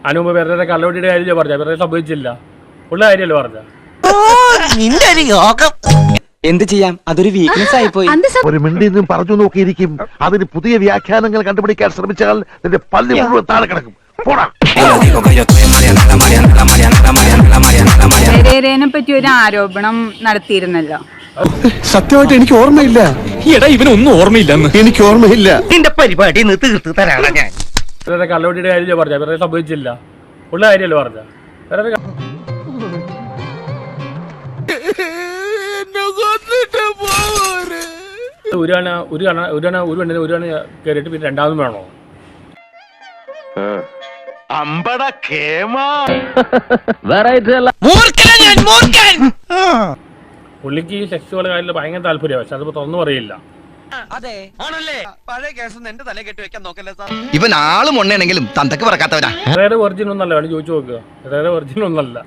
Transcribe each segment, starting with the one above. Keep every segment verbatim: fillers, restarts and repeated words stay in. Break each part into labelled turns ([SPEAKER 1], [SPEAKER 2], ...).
[SPEAKER 1] അതിന് മുമ്പ് വേറെ കള്ളവട്ടിയുടെ കാര്യം പറഞ്ഞ വേറെ സംഭവിച്ചില്ല ഉള്ള കാര്യമല്ലോ പറഞ്ഞ.
[SPEAKER 2] എന്ത് ചെയ്യാം, അതൊരു വീക്ക്നെസ് ആയി പോയി.
[SPEAKER 3] ഒരു മിണ്ടി നിന്നും പറഞ്ഞു നോക്കിയിരിക്കും. അതിന് പുതിയ വ്യാഖ്യാനങ്ങൾ കണ്ടുപിടിക്കാൻ ശ്രമിച്ചാൽ നിന്റെ പള്ളി മുഴുവൻ താഴെ കിടക്കും. പോടാ.
[SPEAKER 4] പെരേരയെ പറ്റി ഒരു ആരോപണം നടത്തിയിരുന്നല്ലോ.
[SPEAKER 5] സത്യമായിട്ട് എനിക്ക് ഓർമ്മയില്ല.
[SPEAKER 6] എടാ ഇവനൊന്നും ഓർമ്മയില്ലെന്ന്.
[SPEAKER 5] എനിക്ക് ഓർമ്മയില്ല.
[SPEAKER 3] നിന്റെ പരിപാടി തീർത്ത് തരാണ് ഞാൻ.
[SPEAKER 1] വേറെ കള്ളവട്ടിയുടെ കാര്യം പറഞ്ഞ വേറെ സംഭവിച്ചില്ല ഉള്ള കാര്യമല്ലോ പറഞ്ഞ. വേറെ ഒരു കണ ഒരു കണ ഒരു കണ ഒരു കണ്ണിന് ഒരു കണ കയറിയിട്ട് പിന്നെ രണ്ടാമതും വേണോ?
[SPEAKER 3] അമ്പട കേമാ.
[SPEAKER 1] പുള്ളിക്ക് ഈ സെക്സുവൽ കാര്യത്തിൽ ഭയങ്കര താല്പര്യമാണ്, പക്ഷെ അതിപ്പോ തുറന്നു പറയില്ല.
[SPEAKER 2] ഇവൻ ആളും ഒന്നെണെങ്കിലും തന്തക്ക് പറക്കാത്തവരാ.
[SPEAKER 1] വേറെ വെർജിൻ ഒന്നല്ല, വേണം ചോദിച്ചു നോക്കുക. വേറെ വെർജിൻ ഒന്നല്ല.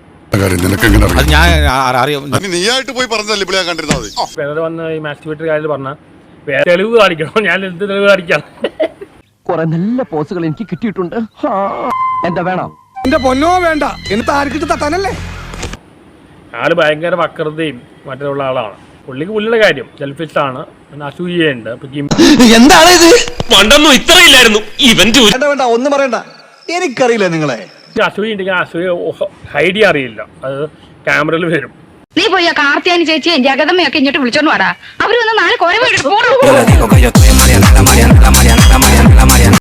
[SPEAKER 7] നീയായിട്ട് പോയി പറഞ്ഞല്ലേ ഇപ്പോൾ ഞാൻ കണ്ടിരുന്നത്.
[SPEAKER 1] വേറെ വന്ന് ഈ മാസ്റ്റിബേറ്റർ കാര്യത്തിൽ പറഞ്ഞ വേറെ തെളിവ് കാണിക്കണം. ഞാൻ എന്ത് തെളിവ് കാണിക്കാം?
[SPEAKER 2] കുറെ നല്ല പോസുകൾ എനിക്ക് കിട്ടിയിട്ടുണ്ട്. എന്താ വേണം?
[SPEAKER 5] എന്റെ പൊന്നോ വേണ്ട, എന്നിട്ട് ആർക്കിട്ട് തട്ടാനല്ലേ?
[SPEAKER 1] ആള് ഭയങ്കര വക്രതയും മറ്റുള്ള ആളാണ്. പുള്ളിക്ക് പുള്ളിയുടെ കാര്യം സെൽഫിഷ് ആണ്, പിന്നെ അസൂയുണ്ട്.
[SPEAKER 2] എന്താണ് ഇത്?
[SPEAKER 6] പണ്ടൊന്നും ഇത്രയില്ലായിരുന്നു. ഇവന്റ്
[SPEAKER 5] വേണ്ട, ഒന്നും പറയണ്ട, എനിക്കറിയില്ല നിങ്ങളെ.
[SPEAKER 1] അസൂയ ഉണ്ടെങ്കിൽ അസൂയ ഹൈഡ് ചെയ്യാൻ അറിയില്ല, അത് ക്യാമറയിൽ വരും.
[SPEAKER 4] നീ പോയി ആ കാർത്തിയാനി ചേച്ചിയും ജഗതമ്മയൊക്കെ ഇങ്ങോട്ട് വിളിച്ചോണ്ട് വാടാ. അവര് വന്ന് നാളെ കുറെ